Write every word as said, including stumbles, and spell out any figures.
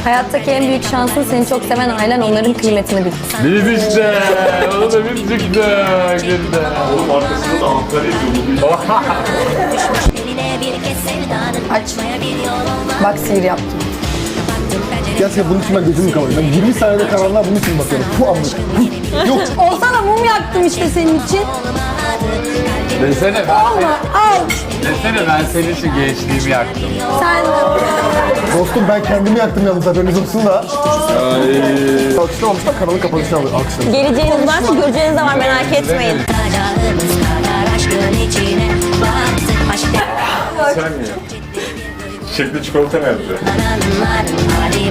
Hayattaki en büyük şansın seni çok seven ailen, onların kıymetini bil. Biz işte. Onu da biz çıktık. Şimdi. Oğlum arkasında da Ankara yazıyor. Aç. Bak sihir yaptım. Gerçekten bunun için ben gözümü kapatıyorum. Ben yirmi saniyede karanlığa bunun için bakıyorum. Bu anlık. Yok. Olsana mum yaktım işte senin için. Desene ben, Olma, al. desene ben senin için gençliğimi yaktım. Sen Dostum ben kendimi yaktım yalnız, haberiniz olsun da. Alkışlamamışlar, kanalın kapanışını alıyor. Alkışlamış. geleceğiniz varsa göreceğiniz de var, merak etmeyin. Sen mi? Çiçekli çikolata nerede?